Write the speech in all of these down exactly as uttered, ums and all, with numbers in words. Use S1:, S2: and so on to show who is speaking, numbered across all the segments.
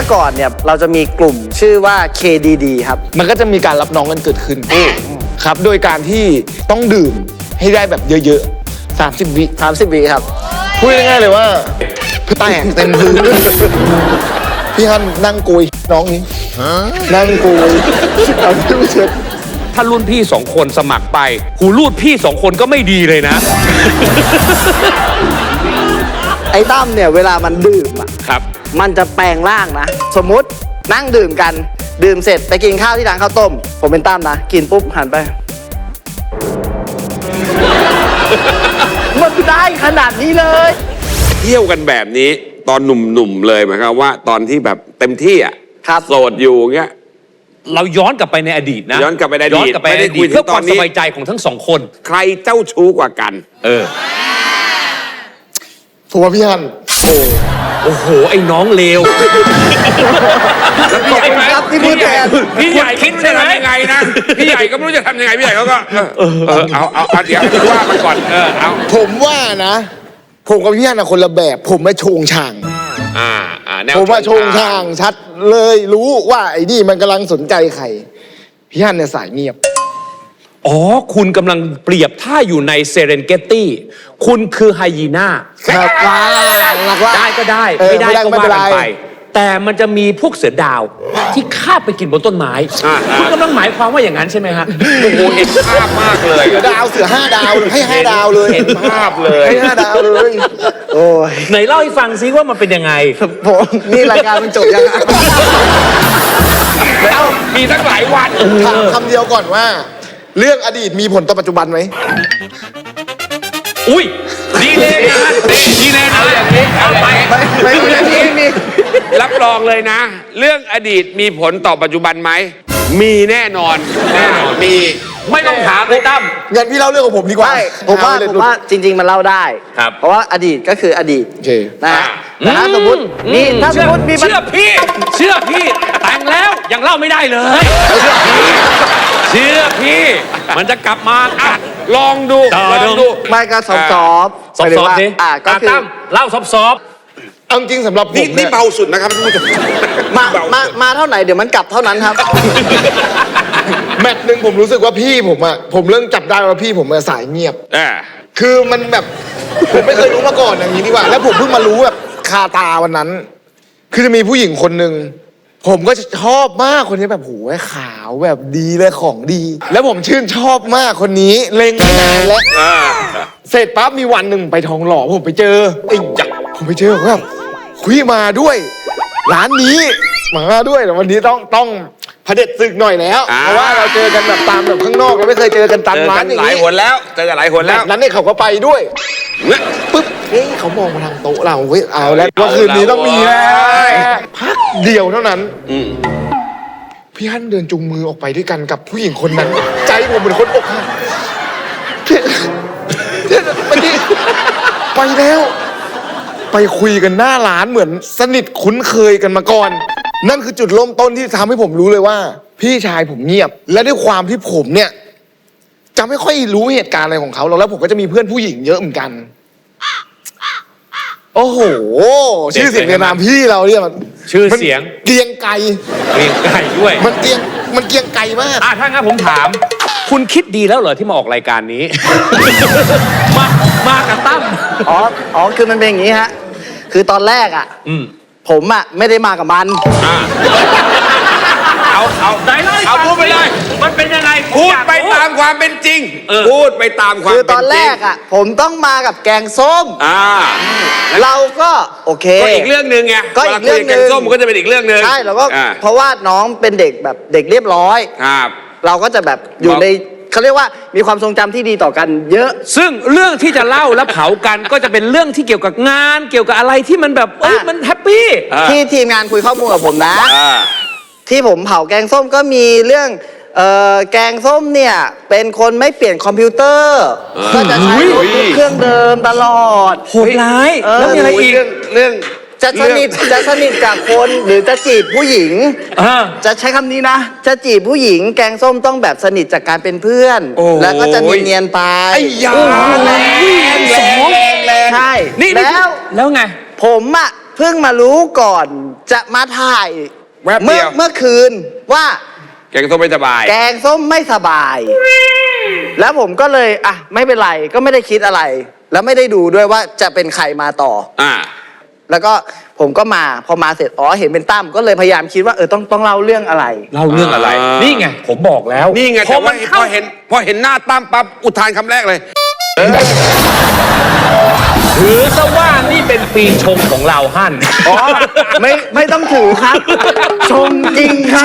S1: มื่อก่อนเนี่ยเราจะมีกลุ่มชื่อว่า เค ดี ดี ครับ
S2: มันก็จะมีการรับน้องกันเกิดขึ้นครับโดยการที่ต้องดื่มให้ได้แบบเยอะๆสามสิบวิ
S1: สามสิบวิครับ
S2: พูดง่ายๆเลยว่าแตกเต็มพื้นพี่ฮันนั่งกุยน้องนี้นั่งกุยเอาที่เช็ด
S3: ถ้ารุ่นพี่สองคนสมัครไปหูรูดพี่สองคนก็ไม่ดีเลยนะ
S1: ไอ้ตั้มเนี่ยเวลามันดื่มอ่ะ
S3: ครับ
S1: มันจะแปลงร่างนะสมมุตินั่งดื่มกันดื่มเสร็จไปกินข้าวที่ร้านข้าวต้มผมเป็นตั้มนะกินปุ๊บหันไปมันได้ขนาดนี้เลย
S4: เที่ยวกันแบบนี้ตอนหนุ่มๆเลยหมายความว่าตอนที่แบบเต็มที่อ่ะโสดอยู่เงี้ย
S3: เราย้อนกลับไปในอดีตนะ
S4: ย้อนกลับไปในอดีต
S3: ย้อนกลับไปในอดีตเพื่อความสบายใจของทั้งสองคน
S4: ใครเจ้าชู้กว่ากัน
S3: เออ
S2: ผมว่าพี่ฮันโอ้
S3: โอ้โหไอ้น้องเลว
S1: พี่ใหญ่ครับพี่พูดแทน
S3: พี่ใหญ่คิดจะทำ
S4: ยังไงนะพี่ใหญ่ก็ไม่รู้จะทำยังไงพี่ใหญ่เขาก็เออเอาเอาเอาเดี๋ยวว่ามันก่อนเออเอา
S2: ผมว่านะผมกับพี่ฮันคนละแบบผมไม่โชงช่าง
S4: อ่าอ่าแนว
S2: ผมว่าโชงช่างชัดเลยรู้ว่าไอ้นี่มันกำลังสนใจใครพี่ฮันเนี่ยสายเงียบ
S3: อ๋อคุณกำลังเปรียบถ้าอยู่ในเซเรนเกตตี้คุณคือไฮยีน่า
S2: ครับ
S3: ได้ก็ได้ไม่ได้ก็ว่ากันไปแต่มันจะมีพวกเสือดาวที่คาบไปกินบนต้นไม้คุณกำลังหมายความว่าอย่างนั้นใช่ไหมฮะ
S4: โอ้โหเห็นภาพมากเลย
S2: เสือดาวเสือห้าดาวให้ห้าดาวเลย
S4: เห็นภาพเลย
S2: ให้ห้าดาวเลยโอ้
S3: ยไหนเล่าให้ฟังซิว่ามันเป็นยังไง
S1: ผมนี่รายการมันจบยังไง
S4: แล้วมีตั้งหลายวัน
S2: ถามคำเดียวก่อนว่าเรื่องอดีตมีผลต่อปัจจุบันไหม
S3: อุ้ยดีเลยนะดีเลยนะอย่างนี้เอาไป
S1: ไม่ไม่ไม่มี
S4: รับรองเลยนะเรื่องอดีตมีผลต่อปัจจุบันไหมมีแน่นอนแน่นอนมี
S3: ไม่ต้องถามเลยตั้ม
S2: งั้นพี่เล่าเรื่องของผมดีกว่า
S1: ผมว่าผมว่าจริงๆมันเล่าได้เพราะว่าอดีตก็คืออดีตนะแต่ถ้าสมมตินี่ถ้าสมมติมี
S3: เชื่อพี่เชื่อพี่แต่งแล้วยังเล่าไม่ได้เลยเชื่อพี่มันจะกลับมา
S4: อ่ะลองดูลองดู
S1: ไม่ก็ซอฟซอฟ
S3: ซอฟซอฟดิ
S1: อ่ะก็คือ
S3: เล่าซอฟซอฟ
S2: เอาจริงสำหรับผม
S4: นี่เบาสุดนะครับท่านผู้ชม
S1: มามามาเท่าไหร่เดี๋ยวมันกลับเท่านั้นครับ
S2: แมตช์หนึ่งผมรู้สึกว่าพี่ผมอ่ะผมเริ่มจับได้ว่าพี่ผมสายเงียบคือมันแบบผมไม่เคยรู้มาก่อนอย่างนี้ดีกว่าแล้วผมเพิ่งมารู้แบบคาตาวันนั้นคือจะมีผู้หญิงคนหนึ่งผมก็ชอบมากคนนี้แบบโหขาวแบบดีเลยของดี แล้วผมชื่นชอบมากคนนี้เล็งมานานแล้วเสร็จปั๊บมีวันหนึ่งไปทองหล่อผมไปเจอไอ้จักผมไปเจอแบบคุยมาด้วยร้านนี้มาด้วยแต่วันนี้ต้องต้องเผด็จศึกหน่อยแล้วเพราะว่าเราเจอกันแบบตามแบบข้างนอกเราไม่เคยเจอกันตามร้านอย่างนี้
S4: หลายหนแล้วเจอกันหลายหนแล้ว
S2: นั้นเนี่ยเขาก็ไปด้วยปึ๊บเฮ้ยเขามองมาทางโต๊ะเราเฮ้ยเอาแล้วว่าคืนนี้ต้องมีแล้วพักเดียวเท่านั้นพี่ฮั่นเดินจูงมือออกไปด้วยกันกับผู้หญิงคนนั้นใจผมเหมือนคนอกหักไปดิไปแล้วไปคุยกันหน้าร้านเหมือนสนิทคุ้นเคยกันมาก่อนนั่นคือจุดเริ่มต้นที่ทำให้ผมรู้เลยว่าพี่ชายผมเงียบและด้วยความที่ผมเนี่ยจะไม่ค่อยรู้เหตุการณ์อะไรของเขาหรอกแล้วผมก็จะมีเพื่อนผู้หญิงเยอะเหมือนกันโอ้โหชื่อเสียงในนามพี่เราเนี่ยมัน
S3: ชื่อเสียง
S2: เกียงไก่
S3: เกียงไก่ด้วย
S2: มันเกียงมันเกียงไก่มาก
S3: อ่ะถ้างั้นผมถามคุณคิดดีแล้วเหรอที่มาออกรายการนี้มามากับตั้ม
S1: อ๋ออ๋อคือมันเป็นอย่างนี้ฮะคือตอนแรกอ่ะผมอ่ะไม่ได้มากับมัน
S4: เอาเอา
S3: ได้เลย
S4: เอาพูดไปเลย
S3: มันเป็นยังไง
S4: พูดไปตามความเป็นจริงพูดไปตามความ
S1: คือตอนแรกอ่ะผมต้องมากับแกงส้ม
S4: อ่า
S1: เราก็โอเค
S4: ก็อีกเรื่องนึงไง
S1: ก็อีกเรื่องนึงแก
S4: งส้มก็จะเป็นอีกเรื่องนึง
S1: ใช่แล้วก็เพราะว่าน้องเป็นเด็กแบบเด็กเรียบร้อย
S4: ครับ
S1: เราก็จะแบบอยู่ในเขาเรียกว่ามีความทรงจำที่ดีต่อกันเยอะ
S3: ซึ่งเรื่องที่จะเล่าและเผากันก็จะเป็นเรื่องที่เกี่ยวกับงานเกี่ยวกับอะไรที่มันแบบเอ้ยมันแฮปปี้
S1: ที่ทีมงานคุยข้อมูลกับผมนะที่ผมเผาแกงส้มก็มีเรื่องเอ่อแกงส้มเนี่ยเป็นคนไม่เปลี่ยนคอมพิวเตอร์ก็จะใช้เครื่องเดิมตลอด
S3: โหดร้ายแล้วมีอะไรอีก
S4: เรื่อง
S1: จะสนิทจะสนิทกับคนหรือจะจีบผู้หญิงจะใช้คำนี้นะจะจีบผู้หญิงแกงส้มต้องแบบสนิทจากการเป็นเพื่อนแล้วก็จะเนียนๆไป
S4: ไอ้ยาแรงแรงแรง
S1: ใช่
S3: นี่
S1: แล้ว
S3: แล้วไง
S1: ผมอะเพิ่งมารู้ก่อนจะมาถ่าย
S4: แวบเดี
S1: เมื่อ
S4: ยว
S1: เมื่อคืนว่า
S4: แกงส้มไม่สบาย
S1: แกงส้มไม่สบาย แล้วผมก็เลยอ่ะไม่เป็นไรก็ไม่ได้คิดอะไร แล้วไม่ได้ดูด้วยว่าจะเป็นใครมาต่อ
S4: อ่า
S1: แล้วก็ผมก็มาพอมาเสร็จอ๋อเห็นเป็นตั้มก็เลยพยายามคิดว่าเออต้องต้องเล่าเรื่องอะไร
S3: เล่าเรื่องอะไร
S4: อ่านี่
S3: นี่ไง ผมบอกแล้ว
S4: นี่ไง
S3: พ
S4: แต่
S3: อมั
S4: ว่าน พ
S3: เข้า
S4: อเห็นพอเห็นหน้าตั้มปั๊บอุทานคำแรกเลย
S3: ถือซะว่านี่เป็นปีชงของเราฮั่น
S1: อ๋อไม่ไม่ต้องถือครับ ชงจริงครับ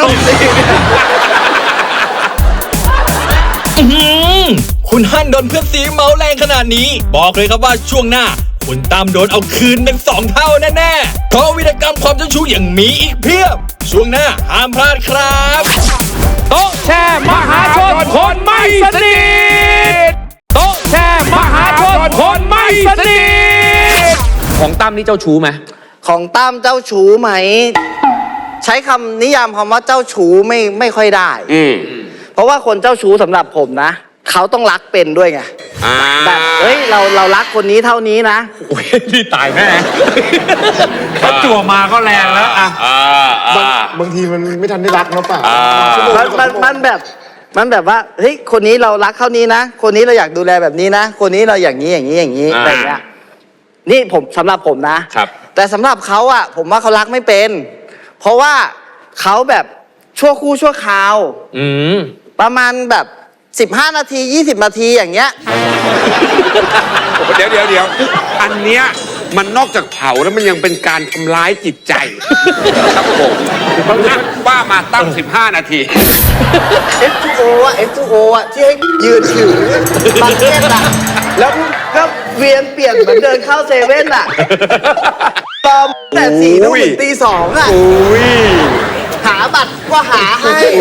S5: อื้อหือคุณฮั่นโดนเพื่อนสีเมาแรงขนาดนี้ บอกเลยครับว่าช่วงหน้า คุณตามโดนเอาคืนเป็นสองเท่าแน่ๆเพราะวิธีกรรมความเจ้าชู้ยังมีอีกเพียบ ช่วงหน้าห้ามพลาดครับ
S3: โต๊ะแชร์มหาชนคนไม่สนิทโต๊ะแชร์มหาชนคนไม่สนิทของตั้มนี่เจ้าชู้ไหม
S1: ของตั้มเจ้าชู้ไหม ใช้คำนิยามคำว่าเจ้าชู้ไม่ไม่ค่อยได้
S4: อืม
S1: เพราะว่าคนเจ้าชู้สำหรับผมนะ เขาต้องรักเป็นด้วยไง
S4: อ่า
S1: แบบเฮ้ยเราเรารักคนนี้เท่านี้นะ
S3: โอ้ยนี่ตายแน่เขาจั่วมาก็แรงแล้วอ่ะ
S4: อ่า
S2: บาง
S4: อ่า
S2: บางทีมันไม่ทันได้รักเนาะป่ะ
S4: อ่า
S1: มันมันมันแบบมันแบบว่าเฮ้ยคนนี้เรารักเท่านี้นะ คนนี้เราอยากดูแลแบบนี้นะ คนนี้เราอย่างนี้อย่างนี้อย่างนี้อะไรเงี้ยนี่ผมสำหรับผมนะ
S3: ครับ
S1: แต่สำหรับเขาอะผมว่าเขารักไม่เป็น เพราะว่าเขาแบบชั่วคู่ชั่วคราว
S3: อืม
S1: ประมาณแบบสิบห้านาทียี่สิบนาทีอย่างเงี้ย
S4: เดี๋ยวเดี๋ยวเดี๋ยวอันเนี้ยมันนอกจากเผาแล้วมันยังเป็นการทำร้ายจิตใจ ครับผมอ่ะว่ามาตั้งสิบห้านาที
S1: เอฟ ทู โอ อ่ะ เอฟ ทู โอ อ่ะที่ให้ยืนถือบังเก็ตอ่ะแล้วก็เวียนเปลี่ยนเหมือนเดินเข้าเซเว่นอ่ะตอมแต่สี่ทุ่มถึงตีสองอ่ะ
S4: อุ้ย
S1: หาบัตรก็หาให้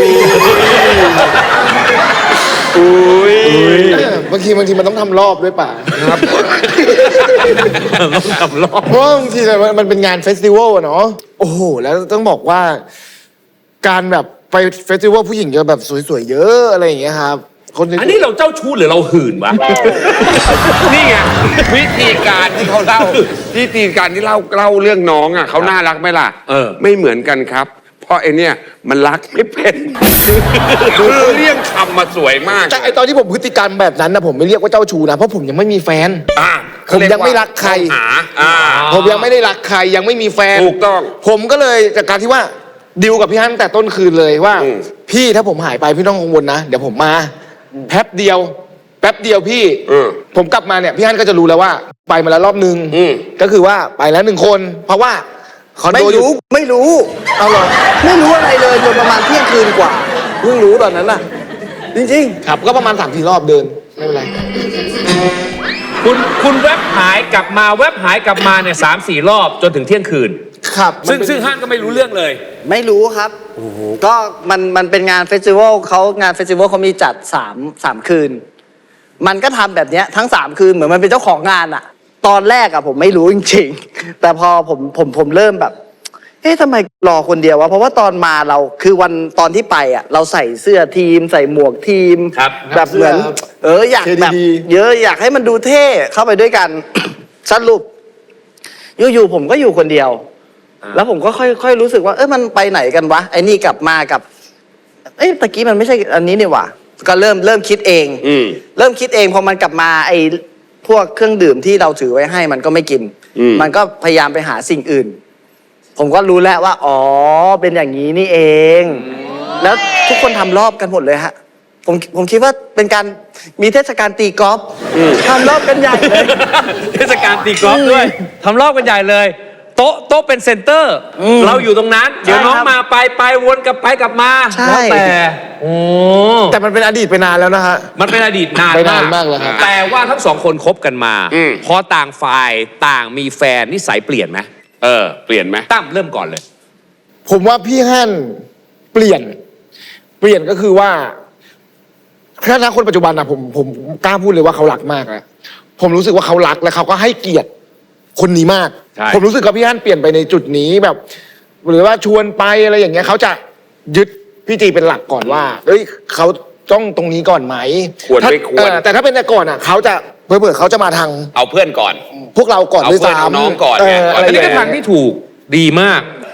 S4: อุ้ย
S2: เออบางทีบางทีมันต้องทำรอบด้วยป่ะ
S4: ครับ
S3: ต้องทำรอบ
S2: เพราะว่าบางทีมันมันเป็นงานเฟสติวัลอะเนาะโอ้โหแล้วต้องบอกว่า การแบบไปเฟสติวัลผู้หญิงจะแบบสวยๆเยอะอะไรอย่างเงี้ยครับคนสวยๆ
S3: อันนี้เราเจ้าชู้หรือเราหื่นวะ
S4: นี่ไงวิธีการที่เขาเล่าวิธีการที่เล่าเล่าเรื่องน้องอ่ะเขาน่ารักไหมล่ะ
S3: เออ
S4: ไม่เหมือนกันครับ เพราะไอเนี่ยมันรักไม่เป็นคือเรียงคำมาสวยมาก
S2: แต่ไอตอนที่ผมพฤติกรรมแบบนั้นนะผมไม่เรียกว่าเจ้าชู้นะเพราะผมยังไม่มีแฟน
S4: อ่ะ
S2: ผมยังไม่รักใคร
S4: หาอ่า
S2: ผมยังไม่ได้รักใครยังไม่มีแฟน
S4: ถูกต้อง
S2: ผมก็เลยจากการที่ว่าดิวกับพี่ฮั่นตั้งแต่ต้นคืนเลยว่า
S4: อืม
S2: พี่ถ้าผมหายไปพี่ต้องกังวลนะเดี๋ยวผมมาแป๊บเดียว แป๊บเดียวพี่
S4: เออ
S2: ผมกลับมาเนี่ยพี่ฮั่นก็จะรู้แล้วว่า ไปมาแล้วรอบนึง
S4: อืม
S2: ก็คือว่าไปแล้วหนึ่งคน เพราะว่าคอน
S1: ไม่
S2: โดอยู่
S1: รู้ไม่รู้เอาหรอไม่รู้อะไรเลยจนประมาณเที่ยงคืนกว่าเพิ่งรู้ตอนนั้นน่ะ จริงๆ
S2: ครับก็ประมาณสามสี่รอบเดินไม่เป็นไร
S3: คุณคุณแวบหายกลับมาแวบหายกลับมาเนี่ยสามสี่รอบจนถึงเที่ยงคืน
S2: ครับ
S3: ซึ่ง
S2: มันเป็น
S3: ซึ่งฮั่นก็ไม่รู้เรื่องเลย
S1: ไม่รู้ครับก็มันมันเป็นงานเฟสติวัลเขางานเฟสติวัลเขามีจัดสามสามคืน มันก็ทำแบบเนี้ยทั้งสามคืนเหมือนมันเป็นเจ้าของงานอะตอนแรกอะผมไม่รู้จริงๆ แต่พอผมผมผมเริ่มแบบ เอ๊ะทำไมรอคนเดียววะเพราะว่าตอนมาเราคือวันตอนที่ไปอะเราใส่เสื้อทีม ใส่หมวกทีม
S3: ครับ
S1: แบบเหมือน เอออยากแบบ
S2: เค
S1: เยอะอยากให้มันดูเท่เข้าไปด้วยกัน สรุปอยู่ๆผมก็อยู่คนเดียว แล้วผมก็ค่อยค่อยรู้สึกว่าเออมันไปไหนกันวะไอ้นี่กลับมากับ เอ้ยตะกี้มันไม่ใช่อันนี้นี่หว่าก็เริ่มเริ่มคิดเอง
S4: อืม
S1: เริ่มคิดเองพอมันกลับมาไอ้พวกเครื่องดื่มที่เราถือไว้ให้มันก็ไม่กิน
S4: อืม
S1: มันก็พยายามไปหาสิ่งอื่น ผมก็รู้แล้วว่า อ๋อ เป็นอย่างนี้นี่เอง แล้วทุกคนทำรอบกันหมดเลยฮะ ผมผมคิดว่าเป็นการมีเทศกาลตีกอล์ฟทำรอบกันใหญ่เลย
S3: เทศกาลตีกอล์ฟด้วยทำรอบกันใหญ่เลย โต๊ะโต๊ะเป็นเซ็นเตอร์ เราอยู่ตรงนั้น เดี๋ยวน้อง
S1: ครับ
S3: มาไปไปวนกลับไปกลับมา
S1: ใช่
S3: แล้วแต่โอ้
S2: แต่มันเป็นอดีตไปนานแล้วนะฮะ
S3: มันเป็นอดีตนาน
S2: ไปนานมากแล้วครับ
S3: แต่ว่าทั้งสองคนคบกันมา
S4: อืม
S3: พอต่างฝ่ายต่างมีแฟนนิสัยเปลี่ยนไหม
S4: เออ เปลี่ยนไหม
S3: ตั้มเริ่มก่อนเลย
S2: ผมว่าพี่ฮั่นเปลี่ยน เปลี่ยนก็คือว่าถ้าถ้าคนปัจจุบันอะผมผมกล้าพูดเลยว่าเขารักมากแล้วผมรู้สึกว่าเขารักและเขาก็ให้เกียรติคนนี้มาก
S3: ใช่
S2: ผมรู้สึกว่าพี่ฮั่นเปลี่ยนไปในจุดนี้แบบ หรือว่าชวนไปอะไรอย่างเงี้ยเขาจะยึดพี่จีเป็นหลักก่อนว่าเอ้ยเขาต้องตรงนี้ก่อนไหม
S4: ควร
S2: ถ้า
S4: ไม่ควร
S2: เออแต่ถ้าเป็นแต่ก่อนอะเขาจะเผื่อๆเขาจะมาทาง
S4: เอาเพื่อนก่อน
S2: พวกเราก่อน
S4: เอา
S2: ด้วย
S4: เพื่อน
S2: ซ้ำ
S4: เอาน้องก่อน
S2: เอ
S4: ไง
S2: ออะไร
S3: อัน
S2: อ
S3: นี้
S2: ย่าง
S3: ก็
S2: เงี้ย
S3: ทางที่ถูกดีมากอ่ะ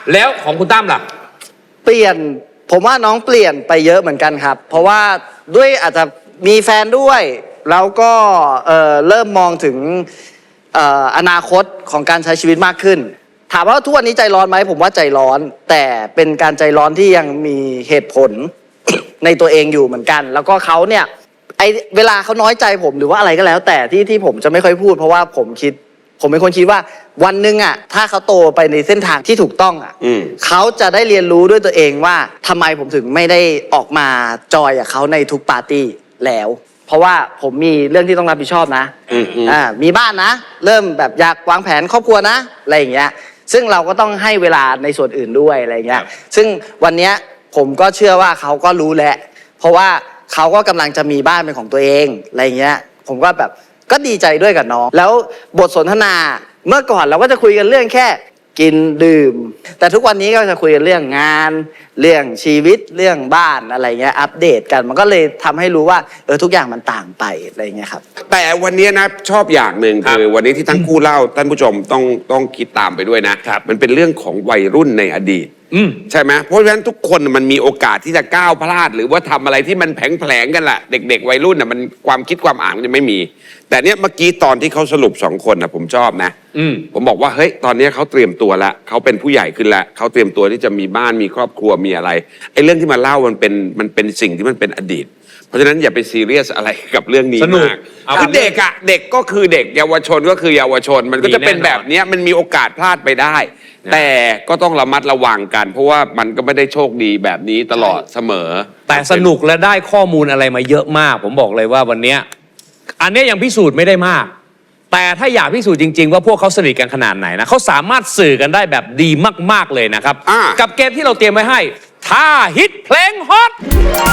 S3: แล้วของคุณตั้มล่ะ
S1: เปลี่ยนผมว่าน้องเปลี่ยนไปเยอะเหมือนกันครับ เพราะว่าด้วยอาจจะมีแฟนด้วย แล้วก็เอ่อเริ่มมองถึงเอ่ออนาคตของการใช้ชีวิตมากขึ้น ถามว่าทุกวันนี้ใจร้อนไหมผมว่าใจร้อน แต่เป็นการใจร้อนที่ยังมีเหตุผล ในตัวเองอยู่เหมือนกัน แล้วก็เขาเนี่ยไอเวลาเขาน้อยใจผมหรือว่าอะไรก็แล้ว แต่ที่ที่ผมจะไม่ค่อยพูด เพราะว่าผมคิด ผมเป็นคนคิดว่าวันหนึ่งอ่ะถ้าเขาโตไปในเส้นทางที่ถูกต้องอ่ะ
S4: อืม
S1: เขาจะได้เรียนรู้ด้วยตัวเองว่าทำไมผมถึงไม่ได้ออกมาจอยกับเขาในทุกปาร์ตี้แล้ว เพราะว่าผมมีเรื่องที่ต้องรับผิดชอบนะ
S4: อืมอืม
S1: อ่ามีบ้านนะ เริ่มแบบอยากวางแผนครอบครัวนะอะไรอย่างเงี้ยซึ่งเราก็ต้องให้เวลาในส่วนอื่นด้วยอะไรอย่างเงี้ยซึ่งวันเนี้ยผมก็เชื่อว่าเขาก็รู้แหละ เพราะว่าเขาก็กำลังจะมีบ้านเป็นของตัวเองอะไรอย่างเงี้ยผมก็แบบก็ดีใจด้วยกับน้อง แล้วบทสนทนาเมื่อก่อนเราก็จะคุยกันเรื่องแค่กินดื่ม แต่ทุกวันนี้ก็จะคุยกันเรื่องงาน เรื่องชีวิตเรื่องบ้านอะไรเงี้ยอัปเดตกันมันก็เลยทำให้รู้ว่าเออทุกอย่างมันต่างไปอะไรเงี้ยครับ
S4: แต่วันนี้นะชอบอย่างหนึ่ง
S3: ครับ
S4: คือวันนี้ที่ทั้งคู่เล่าท่านผู้ชมต้องต้องคิดตามไปด้วยนะครับ มันเป็นเรื่องของวัยรุ่นในอดีต
S3: อืม
S4: ใช่ไหมเพราะฉะนั้นทุกคนมันมีโอกาสที่จะก้าวพลาด หรือว่าทำอะไรที่มันแผลงๆกันแหละเด็ก ๆ วัยรุ่นน่ะมันความคิดความอ่านมันจะไม่มี แต่เนี้ยเมื่อกี้ตอนที่เขาสรุปสองคนนะผมชอบนะ
S3: อืม
S4: ผมบอกว่าเฮ้ยตอนนี้เขาเตรียมตัวแล้วเขาเป็นผู้ใหญ่ขึ้นแล้วเขาเตรียมตัวที่จะมีบ้านมีครอบครัวมีอะไรไอ้เรื่องที่มาเล่ามันเป็นมันเป็นสิ่งที่มันเป็นอดีต เพราะฉะนั้นอย่าไปซีเรียสอะไรกับเรื่องนี้
S3: สนุก
S4: มาก
S3: เอา
S4: คือเด็กอะเด็กก็คือเด็กเยาวชนก็คือเยาวชน มันก็จะเป็นแบบเนี้ยมันมีโอกาสพลาดไปได้ แต่ก็ต้องระมัดระวังกัน เพราะว่ามันก็ไม่ได้โชคดีแบบนี้ตลอดเสมอ
S3: แต่สนุกและได้ข้อมูลอะไรมาเยอะมาก ผมบอกเลยว่าวันเนี้ยอันเนี้ยยังพิสูจน์ไม่ได้มาก แต่ถ้าอยากพิสูจน์จริง ๆ ว่าพวกเขาสนิทกันขนาดไหนนะเขาสามารถสื่อกันได้แบบดีมากๆเลยนะครับ
S4: อ่า
S3: กับเกมที่เราเตรียมไว้ให้ท่าฮิตเพลงฮอต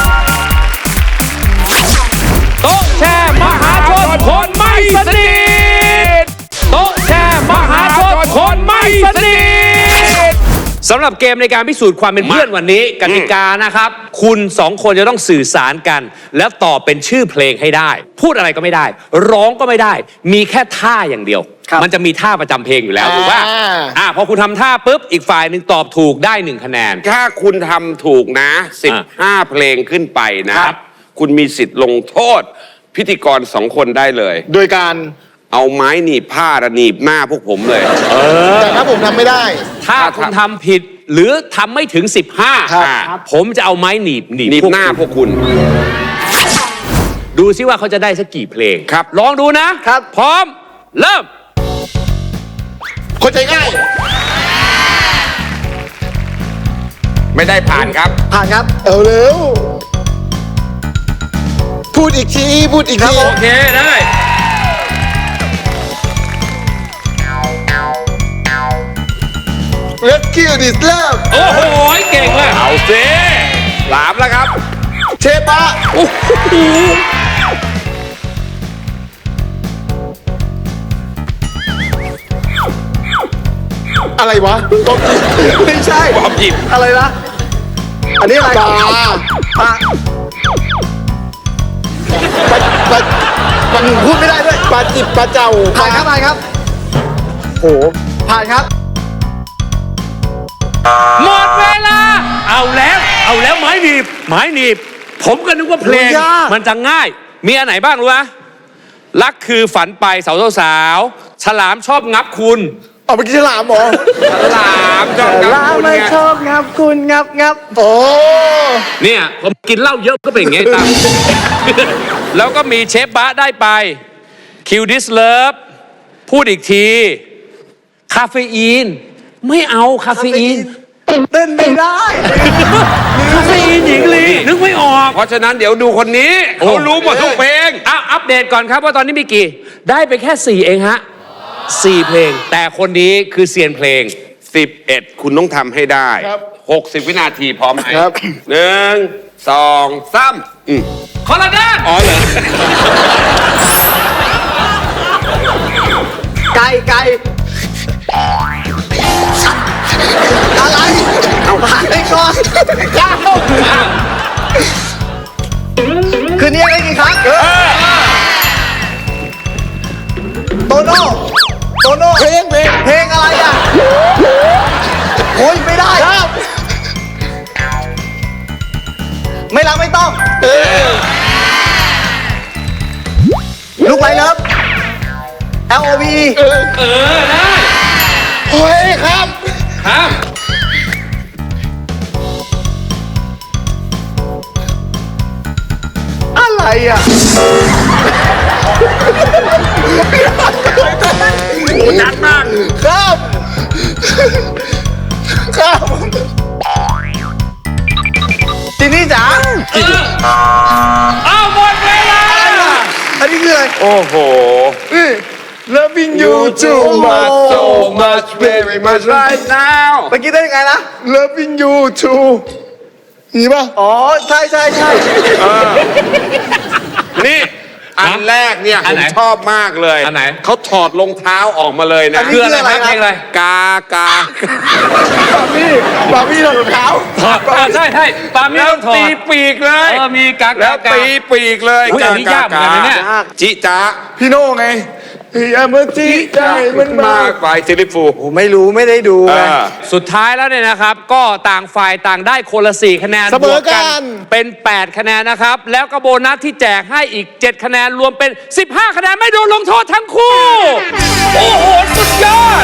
S3: โต๊ะแชร์มหาชนคนไม่สนิทโต๊ะแชร์มหาชนคนไม่สนิทสำหรับเกมในการพิสูจน์ความเป็นเพื่อนวันนี้กติกานะครับ คุณสองคนจะต้องสื่อสารกัน แล้วตอบเป็นชื่อเพลงให้ได้ พูดอะไรก็ไม่ได้ ร้องก็ไม่ได้ มีแค่ท่าอย่างเดียว
S1: ครับ
S3: มันจะมีท่าประจำเพลงอยู่แล้วถูกป่ะ
S2: อ่า
S3: อ่าพอคุณทำท่าปุ๊บอีกฝ่ายหนึ่งตอบถูกได้หนึ่งคะแนน
S4: ถ้าคุณทำถูกนะสิบห้าเพลงขึ้นไปนะครับ คุณมีสิทธิ์ลงโทษ พิธีกรสองคนได้เลย
S2: โดยการ
S4: เอาไม้หนีบผ้าระหนีบหน้าพวกผมเลย
S2: แต่ถ้าผมทำไม่ได้
S3: ถ้าคุณทำผิดหรือทำไม่ถึงสิบห้า
S2: ครับ
S3: ผมจะเอาไม้หนีบหนีบ
S4: หนีบ
S3: พวก
S4: หน้า
S3: คุณ
S4: พวกคุณ
S3: ดูซิว่าเขาจะได้สักกี่เพลง
S4: ครับ
S3: ลองดูนะครับ พร้อม เริ่ม
S2: คนใจง่าย
S4: ไม่ได้ผ่านครับ
S1: ผ่านครับ
S2: เอาเร็ว พูดอีกที พูดอีกที
S3: โอเค ได้
S2: Let's kill this love
S3: โอ้โห เก่งเลย
S4: เอาสิสามแล้วครับ
S2: เชปะ
S3: โอ้โห
S2: อะไรวะตบไม่ใช่
S4: บอบหยิบ
S1: อะไรนะอันนี้อะไร
S2: ปลา
S1: ปลา
S2: ปลาปลาปลาพูดไม่ได้ด้วยปลาจิบปลาเจ้า
S1: ผ่านครับผ่านครับโอ้ผ่านครับ
S3: หมดเวลา เอาแล้ว เอาแล้วไม้หนีบ ไม้หนีบ ผมก็นึกว่าเพลง
S1: ยาก
S3: มันจะง่าย มีอันไหนบ้างรู้ไหมรักคือฝันไปสาวสาวๆฉลามชอบงับคุณ
S2: เอาไปกินฉลามเหรอ
S4: สามจองกับ
S1: ลา
S4: คุณ
S1: ไม่
S4: ไง
S1: ชอบงับคุณงับงับ
S2: โอ้
S3: เนี่ยผมกินเหล้าเยอะก็เป็นอย่างงี้ตาม แล้วก็มีเชฟบะได้ไปคิวดิสเลิฟพูดอีกที คาเฟอีน ไม่เอาคาเฟอีน
S1: เต้นไม่ได้
S3: คาเฟอีนหญิงลีนึกไม่ออก
S4: เพราะฉะนั้นเดี๋ยวดูคนนี้ เขารู้หมดทุกเพลง
S3: อ่ะอัปเดตก่อนครับว่าตอนนี้มีกี่ ได้ไปแค่สี่เองฮะสี่เพลง แต่คนนี้คือเซียนเพลง
S4: สิบเอ็ดคุณต้องทำให้ได้
S2: ครับ
S4: หกสิบวินาทีพร้อมไหม
S2: ครับ
S4: หนึ่งสองสามอืม
S3: คนละด้าน
S4: อ๋อเหรอ
S1: ไก่ไก่อะไรเอาผ่านไปก่อนก้าวคืนนี้อะไรกี่ครั้งโตโน่โตโน่เพลงเพลงเพลงอะไรอ่ะโอ้ยไม่ได้ลูกไรเลิฟ L O V E
S3: เออได้
S2: เฮ้ยครับ
S3: ครับ
S1: อะไรอ่ะ
S4: นัดมาก
S2: ครับครับ
S1: จินนี่จ๋า
S3: เอาหมดเวลา
S1: อันนี้คืออะไร
S4: โอ้โห
S2: Loving you too much
S4: so much very much right now
S1: เมื่อกี้ได้ยังไงนะ
S2: Loving you too นี่ป่ะ
S1: อ๋อ ใช่ใช่ใช่
S4: นี่ อันแรกเนี่ย
S3: อั
S4: ผ
S3: น
S4: ม
S3: ไหน
S4: ชอบมากเลย
S3: อันไหน
S4: เขาถอดรองเท้าออกมาเลยนะ
S3: คืออะไรครับเพลงอะไร
S4: กากา
S2: พี่บาร์บี้ถอดรองเท้า
S3: ถอดอ่าใช่ใช่ปาล์มนี่
S4: แล้ว
S3: ต้องถอ
S4: ตี
S3: ด
S4: ปีกเลย
S3: เออมีกากา
S4: แล้ว
S3: กา
S4: ตีปีกเลย
S3: อุ๊ยอันนี้ยากเหมือนกันนะเนี่ย
S4: จิจ้า
S2: พี่โน่ไงอย่ามาจี้ใจมันมาม
S4: าก กไปซิลิฟู
S1: ผมไม่รู้ไม่ได้ดู
S4: เอ
S1: ไง
S4: อ
S3: สุดท้ายแล้วเนี่ยนะครับ ก็ต่างฝ่ายต่างได้คนละสี่คะแนน
S2: เสมอบ
S3: ว
S2: กัน
S3: เป็น แปด คะแนนนะครับ แล้วก็โบนัสที่แจกให้อีก เจ็ด คะแนนรวมเป็น สิบห้า คะแนนไม่โดนลงโทษทั้งคู่ โอ้โห สุดยอด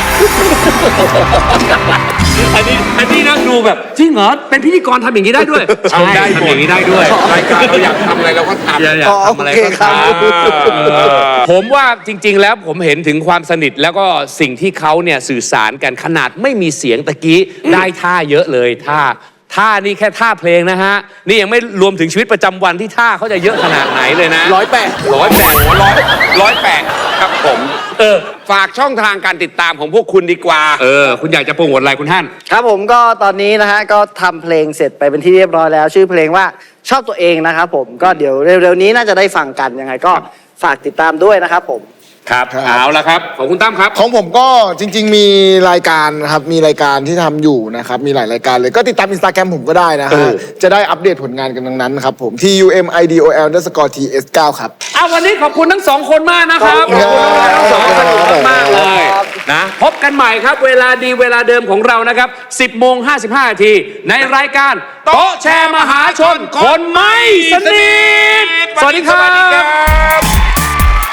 S3: อันนี้อันนี้นะดูแบบจริงเหรอ เป็นพิธีกรทำอย่างนี้ได้ด้วย
S4: ทำได้หม
S3: ทำ
S4: ด
S3: อย่างนี้ได้ด้วย
S4: รายการเราอยากทำอะไรเราก็ทำ
S3: อย่าอยากทำอะไรก็ทำผมว่าจริง ๆ แล้วผมเห็นถึงความสนิทแล้วก็สิ่งที่เขาเนี่ยสื่อสารกันขนาดไม่มีเสียงตะกี้ได้ท่าเยอะเลยท่าท่านี่แค่ท่าเพลงนะฮะ นี่ยังไม่รวมถึงชีวิตประจำวันที่ท่าเขาจะเยอะขนาดไหนเลยนะ
S1: ร้อยแปด
S4: ร้อยแปดร้อยร้อยแปดครับผม
S3: เออ
S4: ฝากช่องทางการติดตามของพวกคุณดีกว่า
S3: เออ คุณอยากจะโปรโมทอะไรคุณท่าน
S1: ครับผมก็ตอนนี้นะฮะก็ทำเพลงเสร็จไปเป็นที่เรียบร้อยแล้ว ชื่อเพลงว่าชอบตัวเองนะครับผมก็เดี๋ยวเร็วๆนี้น่าจะได้ฟังกันยังไงก็ฝากติดตามด้วยนะครับผม
S3: ครับ เอาละครับ ของคุณตั้มครับ
S2: ของผมก็จริง ๆ มีรายการนะครับ มีรายการที่ทำอยู่นะครับ มีหลายรายการเลย ก็ติดตามอินสตาแกรมผมก็ได้นะ
S3: เอ
S2: ฮะ
S3: อ
S2: จะได้อัปเดตผลงานกันทั้งนั้นครับผม T U M I D O L underscore T S เก้าครับ
S3: เอาวันนี้ขอบคุณทั้งสองคนมากนะครับ
S2: ขอบคุณครับ
S3: ทั้งสองคนสนุกมากๆเลย
S1: ครับ
S3: นะพบกันใหม่ครับ เวลาดีเวลาเดิมของเรานะครับ สิบโมงห้าสิบห้านาทีในรายการโต๊ะแชร์มหาชน คนไม่สนิทสวัสดีครั
S4: สวัสดีครับ บ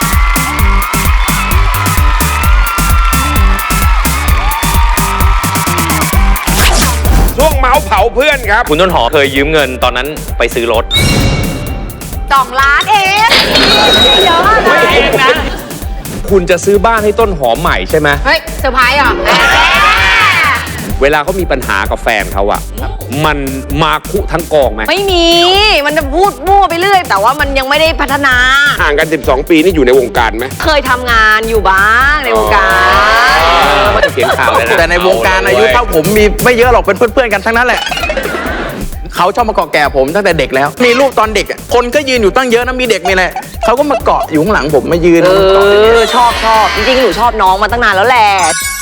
S4: ช่วงเมาส์เผาเพื่อนครับ
S6: คุณต้นหอมเคยยืมเงินตอนนั้นไปซื้อรถ
S7: สองล้านเองเยอะอะไร
S3: เองนะ คุณจะซื้อบ้านให้ต้นหอมใหม่ใช่ไหม
S7: เฮ้ยเซอร์ไพรส์เหรอ
S3: เวลาเขามีปัญหากับแฟนเขาอะมันมาคุทั้งกองไหม
S7: ไม่มี มันจะพูดมั่วไปเรื่อย แต่ว่ามันยังไม่ได้พัฒนา
S4: ห่างกัน สิบสอง ปีนี่อยู่ในวงการไหม
S7: เคยทำงานอยู่บ้างในวงการ
S3: เขียนข่าวเลยนะ
S8: แต่ในวงการอายุเท่าผมมีไม่เยอะหรอกเป็นเพื่อนๆกันทั้งนั้นแหละ เขาชอบมาเกาะแก่ผมตั้งแต่เด็กแล้ว มีรูปตอนเด็กอะคนก็ยืนอยู่ตั้งเยอะนะมีเด็กมีอะไรเขาก็มาเกาะอยู่ข้างหลังผมมายืน
S7: เอ
S8: มาเกาะอย่างเงี้ย
S7: อ ชอบชอบจริงๆ หนูชอบน้องมาตั้งนานแล้วแหละ